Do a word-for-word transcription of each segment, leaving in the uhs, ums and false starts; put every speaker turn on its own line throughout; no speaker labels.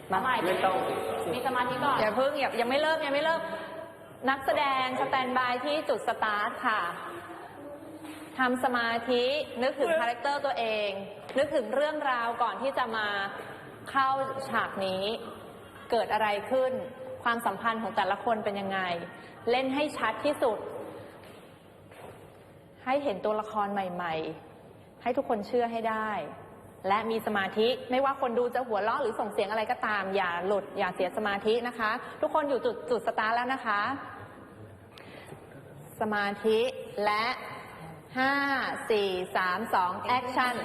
มาใหม่ไม่ต้องมีสมาธิก่อนอย่าเพิ่งอย่ายังไม่เริ่มยังไม่เริ่มนักแสดงสแตนบายที่จุดสตาร์ทค่ะทำสมาธินึกถึงคาแรคเตอร์ตัวเองนึกถึงเรื่องราวก่อนที่จะมาเข้าฉากนี้เกิดอะไรขึ้นความสัมพันธ์ของแต่ละคนเป็นยังไงเล่นให้ชัดที่สุดให้เห็นตัวละครใหม่ๆให้ทุกคนเชื่อให้ได้และมีสมาธิไม่ว่าคนดูจะหัวเราะหรือส่งเสียงอะไรก็ตามอย่าหลุดอย่าเสียสมาธินะคะทุกคนอยู่จุดจุดสตาร์ทแล้วนะคะสมาธิและห้าสี่สามสองแอคชั่น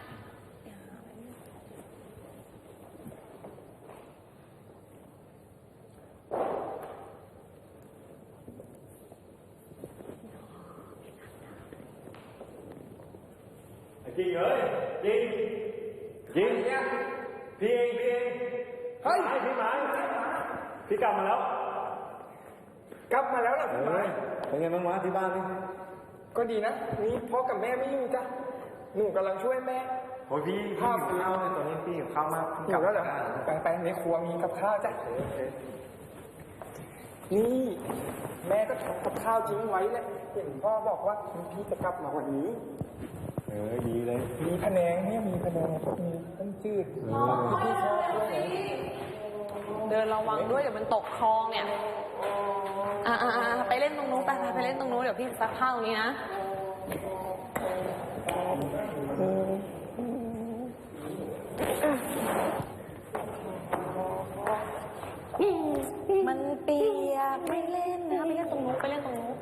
จริงเหรอจริงจริงเนี่ยพี่เองพี่เองเฮ้ยพี่หมายพี่กลับมาแล้วกลับมาแล้วเหรอพี่หมายเป็นไงบ้างวะที่บ้านนี่
ก็ดีนะนี่พ่อกับแม่ไม่อยู่จ้ะหนูกำลังช่วยแม่
โอ้ยพี่ข้าวข้าวในตอนนี้พี่กับข้าวมาก
กลับแล้วเหรอไปไปในครัวมีกับข้าวจ้ะนี่แม่ก็ทำกับข้าวทิ้งไว้แหละเห็นพ่อบอกว่าพี่จะกลับมาวันนี้
เออดีเลย
มีพะแนงเนี่ยมีพะแนงมีต้มจืดพี่ชอบด้วยนะ
เดินระวังด้วยเดี๋ยวมันตกคลองเนี่ยอ่าไปเล่นตรงนู้นไปไปเล่นตรงนู้นเดี๋ยวพี่ซักผ้าตรงนี้นะมันเปียกไม่เล่นนะไปเล่นตรงนู้นไปเล่นตรงนู้น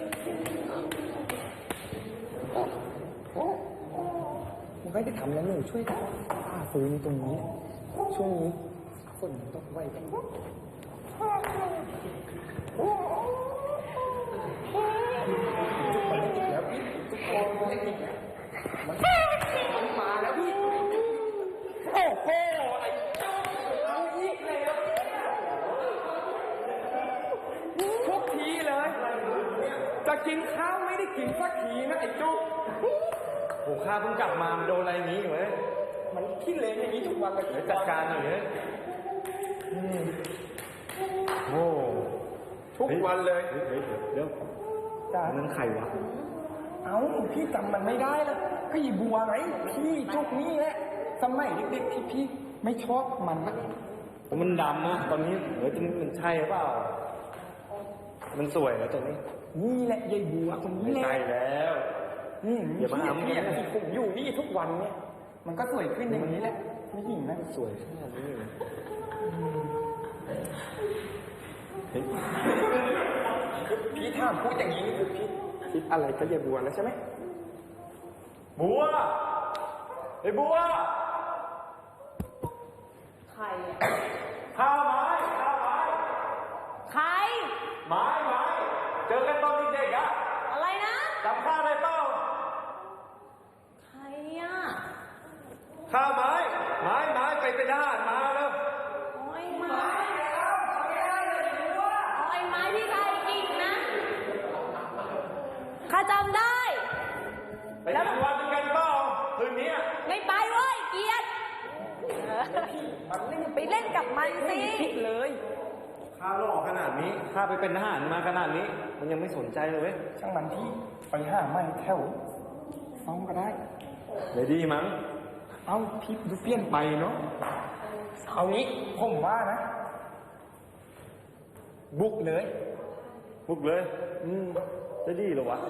มันไม่ได้ทำแล้วหนูช่วยผ้าฟื้นตรงนี้ช่วงนี้ฝนตกไวกันแล้วพี่ทุกคนมันไม่ติดมันมาแล้วพี่โอ้โหไอ้เอาอีกแล้วทุกทีเลยจะกินข้าวไม่ได้กินสักทีนะไอ้จุ๊ก
โอ้ข้าเพิ่งกลับมาโดนอะไรนี้อยู่เว้ย
มันขี้เลนอย่างนี้ทุกวันเลย
เดี๋ยวจัดการหน่อยเลยโอ้
ทุกวันเลย
เฮ้ยเดี๋ยวจ้านั่นใครวะ
เอ้าพี่จำมันไม่ได้แล้วก็ยีบัวไงพี่จุกนี่แหละสมัยเด็กๆที่พี่ไม่ชอบมันนะ
มันดำนะตอนนี้เฮ้ยมันใช่หรือเปล่ามันสวยแล้วตอนนี้
นี่แหละยายบัวคนนี้แหละ
ใช่แล้ว
อย่ามาทำเนี่ยผมอยู่นี่ทุกวันเนี่ยมันก็สวยขึ้นอย่างนี้แหละไม่หญิงนะ
สวยขนาดนี้
พี่ถามพูดอย่างนี้คือพี่คิดอะไรก็อย่าบัวแล้วใช่ไหม
บัวไอ้บัว
ใครอ่ะ
ข้าวไม้ข้าวไม้
ใคร
ไม้ไม้เจอกันตอนเด็กๆอะ
อะไรนะ
จำข้าวได้เปล่า
ใครอ่ะ
ข้าวไม้ไม้ไม้ไปเป็นทหารมาแล้ว
โอ้ยไม้แล้วทำไม่ได้เลยบัวโอ้ยไม้ที่ใครกินนะข้าจำได้
ไปทำวันกันเปล่าคืนนี้
ไม่ไปเว้ยเกียรติไปเล่นกับมันสิ
เลย
ข้าหล่อขนาดนี้ข้าไปเป็นทหารมาขนาดนี้มันยังไม่สนใจเลยเว้ย
ช่างมันที่ไปห้าไม้แถวซ้อมก็ได้
เลยดีมั้ง
เอ้าพี่ดูเปลี่ยนไปเนาะเอานี้ผมว่านะบุกเลย
บุกเลยอืมจะดีหรอวะ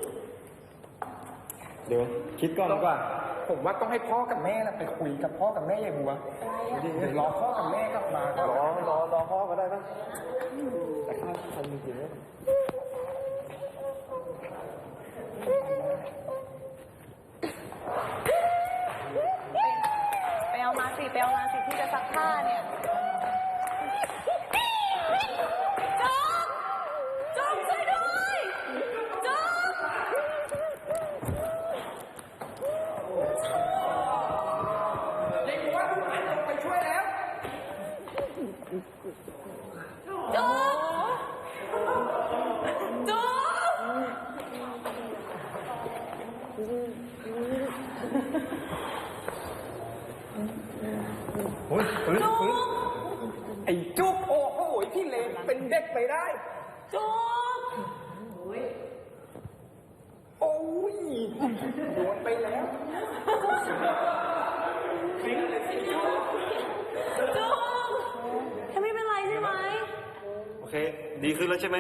เดี๋ยวคิดก่อนดีกว่า
ผมว่าต้องให้พ่อกับแม่นะไปคุยกับพ่อกับแม่ยายบัวเดี๋ยวรอพ่อกับแม่กลับมาก็
รอรอรอพ่อก็ได้ปะแต่ข้าทำจริงๆ
ไปเอามาสิไปเอามาสิที่จะซักผ้าเนี่ยจ๊อกจ๊อกช่วยด้วยจ๊อก
เด็กบัวไปช่วยแล้ว
จ๊อกจ๊อก
โอ้ยฟื้นฟื้น
เด็กไปได้จุ๊บโอ้ยโดนไปแล้วทิ้งเลยสิจุ๊บ
จุ๊บแค่ไม่เป็นไรใช่ไหม
โอเค ดีขึ้นแล้วใช่ไหม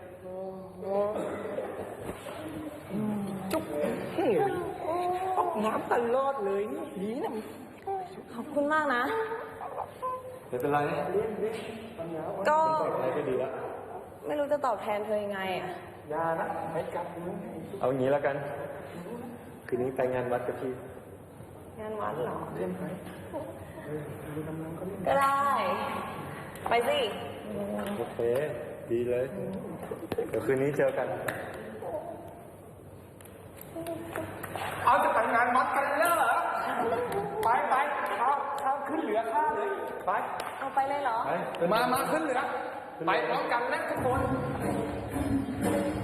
จุ๊บออกน้ำตลอดเลยนี่นะ
ขอบคุณมากนะ
ไม่เป็นไร
ก็
อะไรก็ดีแล้ว
ไม่รู้จะตอบแทนเธอยังไงอ่ะ
ยานะไม่กลับมือ
เอางี้แล้วกัน คืนนี้ไปงานวัดกับพี่
งานวัดเหรอ
เล่นไหม
ก็ได้ ไปสิ
โอเค ดีเลย เดี๋ยวคืนนี้เจอกัน
เอาจะแต่งงานวัดกันแล้วเหรอไปไปเอาเอาขึ้นเหลือข้าเลยไป
เอาไปเลยเหรอ
ไป
มา มาขึ้นเหลือ ไปพร้อมกันนะทุกคน